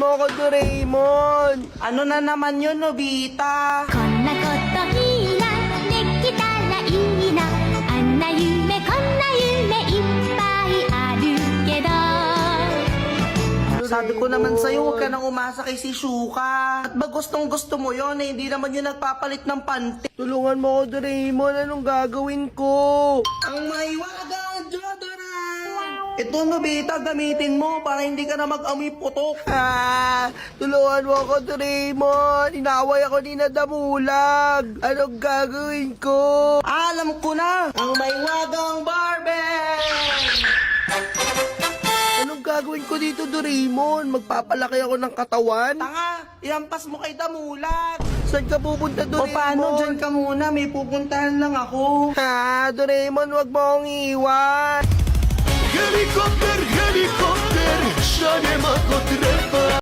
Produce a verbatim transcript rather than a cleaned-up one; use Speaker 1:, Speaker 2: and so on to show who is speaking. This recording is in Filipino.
Speaker 1: mo ako, Doraemon.
Speaker 2: Ano na naman yun, Nobita?
Speaker 3: こんなこといいなできたらいいなあんな夢こんな夢いっぱいあるけど
Speaker 2: Sabi ko naman sa'yo, huwag ka nang umasa kay si Shuka. At ba gustong gusto mo yon eh, hindi naman yun nagpapalit ng panty.
Speaker 1: Tulungan mo ako, Doraemon. Anong gagawin ko?
Speaker 2: Ang maiwagang Jodora! Ito, Nobita, gamitin mo para hindi ka na mag-amoy putok.
Speaker 1: Ah, tulungan mo ako, Doraemon. Inaway ako ni Nadamulag. Anong gagawin ko?
Speaker 2: Alam ko na! Ang maiwagang Barbie!
Speaker 1: Anong gagawin ko dito, Doraemon? Magpapalaki ako ng katawan?
Speaker 2: Tanga, ihampas mo kay Damulag.
Speaker 1: Saan ka pupunta,
Speaker 2: O
Speaker 1: Doraemon?
Speaker 2: paano, dyan ka muna, may pupuntahan lang ako.
Speaker 1: Ha, Doraemon, wag mo akong iiwan.
Speaker 4: Helikopter, helikopter, šaljemo kod